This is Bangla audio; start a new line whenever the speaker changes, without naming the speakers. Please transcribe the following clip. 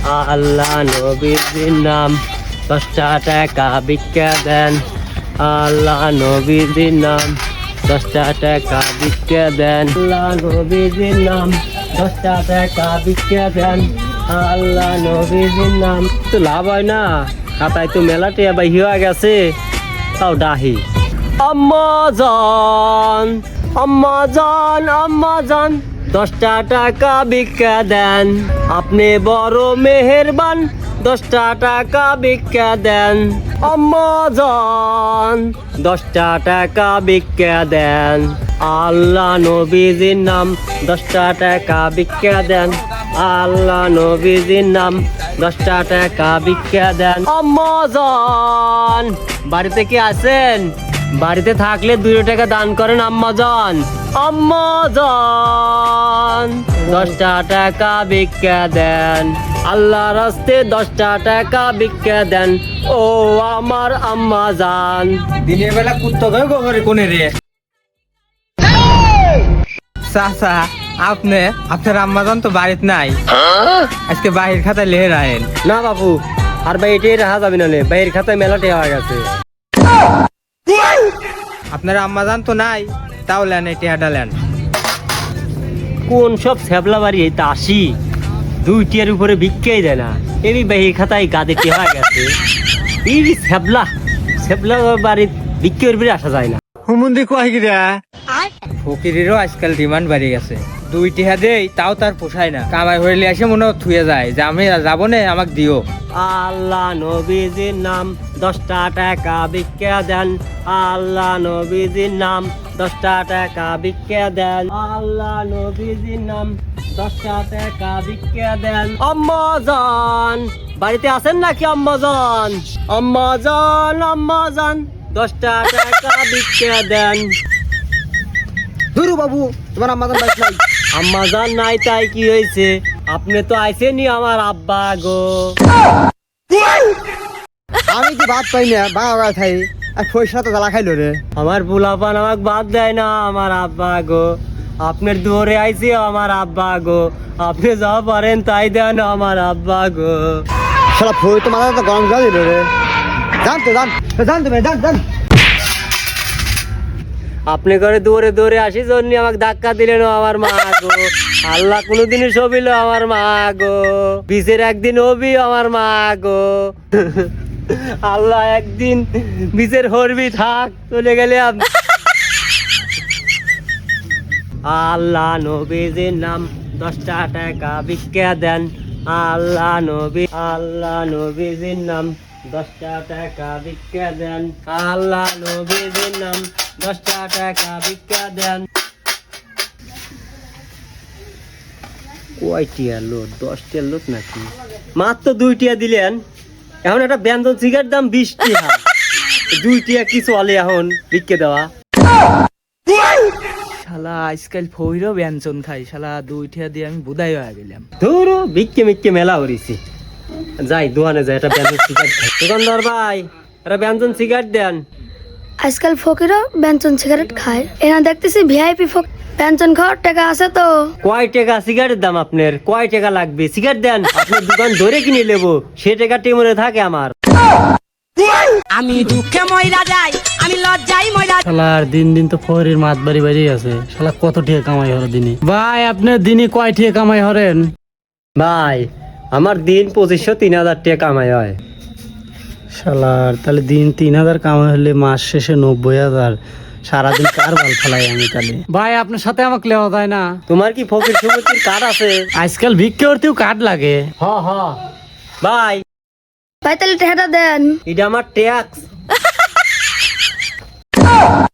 আল্লাহ নবীজির নাম 10টা টাকা ভিক্ষা দেন। আল্লাহ নবীজির নাম 10টা টাকা ভিক্ষা দেন। আল্লাহ নবীজির নাম 10টা টাকা ভিক্ষা দেন। আল্লাহ নবীজির নাম তো লাভ হয় না, খাতায় তো মেলাতে আবার হয়ে গেছে, তাও ডাহি। আম্মাজান আম্মাজান আম্মাজান 10টা টাকা ভিক্ষা দেন। আপনি বড় মেহেরবান, 10টা টাকা ভিক্ষা দেন। আম্মাজান 10টা টাকা ভিক্ষা দেন। আল্লাহ নবীজির নাম 10টা টাকা ভিক্ষা দেন। আল্লাহ নবীজির নাম 10টা টাকা ভিক্ষা দেন। আম্মাজান বাড়িতে কি আছেন? বাড়িতে থাকলে 2 টাকা দান করেন আম্মাজান। আম্মাজান 10টা টাকা ভিক্ষা দেন। আল্লাহর রাস্তে 10টা টাকা ভিক্ষা দেন। ও আমার আম্মাজান।
দিনের বেলা কুত্তা ধরে গোবরে কোনে রে চাচা, আপনার আম্মাজান তো বাড়িতে নাই, আজকে বাহির খাতায় লেহে রাখেন।
না বাবু, আর ভাই এটাই রাখা যাবে না, বাইরের খাতায় মেলাটে হয়ে গেছে।
আপনার আম্মাজান তো নাই, তাও লেন এই টেহাটা লেন।
কোন সব ছ্যাবলা বাড়ি এইটা আসি 2 টিয়ার উপরে ভিক্ষাই দেয় না, এই বাহির খাতায় গাদে হয়ে গেছে। এই ছ্যাবলা ছ্যাবলা বাড়ির ভিক্ষার উপরে আসা যায় না।
হুমুন্দি কয় কি রে? ফকিরেরও আজকাল ডিমান্ড বাড়ি গেছে। 2 টিহা দেই তাও তার পোষায় না, কামাই হইলে এসে মনে থুয়ে যায় যে আমি যাবো না, আমাকে দিও।
আল্লাহ নবীজির নাম 10টা টাকা ভিক্ষা দেন। আল্লাহ নবীজির নাম 10টা টাকা ভিক্ষা দেন। আল্লাহ নবীজির নাম 10টা টাকা ভিক্ষা দেন। আম্মাজান বাড়িতে আছেন নাকি আম্মাজান? আম্মাজান আম্মাজান 10টা টাকা ভিক্ষা দেন।
ধুরু বাবু, তোমার আম্মাজান বাইক নাই।
আম্মাজান নাই তাই কি হয়েছে? আপনি তো আইসেনি আমার আব্বা গো।
আমি কি ভাত পাই না, বাবা খাই আর পয়সা তো জ্বালা খাইলো রে।
আমার বুলাপান আমাকে বাদ দেয় না আমার আব্বা গো। আপনার দুয়ারে আইছি আমার আব্বা গো, আপনি যা পারেন তাই দেন আমার আব্বা গো।
শালা ফই তো মাথা তো গরম জল দিল রে। জান তুমি জান।
আপনি করে দৌড়ে দৌড়ে আসি জন্য আমাকে ধাক্কা দিলেন আমার মা গো। আল্লাহ কোনোদিনই সবিল আমার মা গো, বিচের একদিন হবি আমার মা গো। আল্লাহ একদিন বিচের হরবি থাক, চলে গেলে আল্লাহ নবীজির নাম 10টা টাকা ভিক্ষা দেন। আল্লাহ নবীজির নাম 10টা টাকা ভিক্ষা দেন। আল্লাহ নবীজির নাম 10টা টাকা ভিক্ষা দেন। কয়টিয়া লোট? 10টিয়া লোট নাকি? মাত্র 2 টিয়া দিলেন। এখন একটা ব্যঞ্জন সিগারেট দাম 20 টাকা, 2 টিয়া কি চলে এখন ভিক্ষা দেওয়া?
শালা আজকাল ফইরও ব্যঞ্জন খাই, শালা 2 টিয়া দিয়ে আমি বুদাই হয়ে গেলাম।
ধরো ভিক্ষে মিক্ষে মেলা হরিছি। যাই দোকানে যাই, একটা ব্যঞ্জন সিগারেট খাই। দোকানদার ভাই, একটা ব্যঞ্জন সিগারেট দেন।
আজকাল ফকিরও ব্যঞ্জন সিগারেট খায়, এনা দেখতেছি ভিআইপি ব্যঞ্জন খাওয়ার টাকা আছে তো।
কয় টাকা সিগারেটের দাম আপনার? কয় টাকা লাগবে? সিগারেট দেন, আপনার দোকান ধরে কিনে নেবো, সে টাকা টেমনে থাকে আমার।
আমি দুঃখে ময়রা যাই, আমি লজ্জাই ময়রা।
শালার দিন দিন তো ফরির মাত বাড়ি বাড়ি আছে, শালা কত টিয়া কামাই হরে দিনে? ভাই আপনার দিনে কয় টিয়া কামাই হরেন?
ভাই আমার দিন 2500-3000 টাকা কামাই হয়।
শালার তাহলে দিন 3000 কামাই হলে মাস শেষে 90,000, সারাদিন কার ভাল ফেলাই আমি তাহলে? ভাই আপনার সাথে আমাকে লেওয়া যায় না?
তোমার কি ফকির সমিতির কার্ড আছে?
আজকাল ভিক্ষে করতেও কার্ড লাগে।
হ ভাই,
ভাই তাহলে টাকাটা দেন।
এটা আমার ট্যাক্স।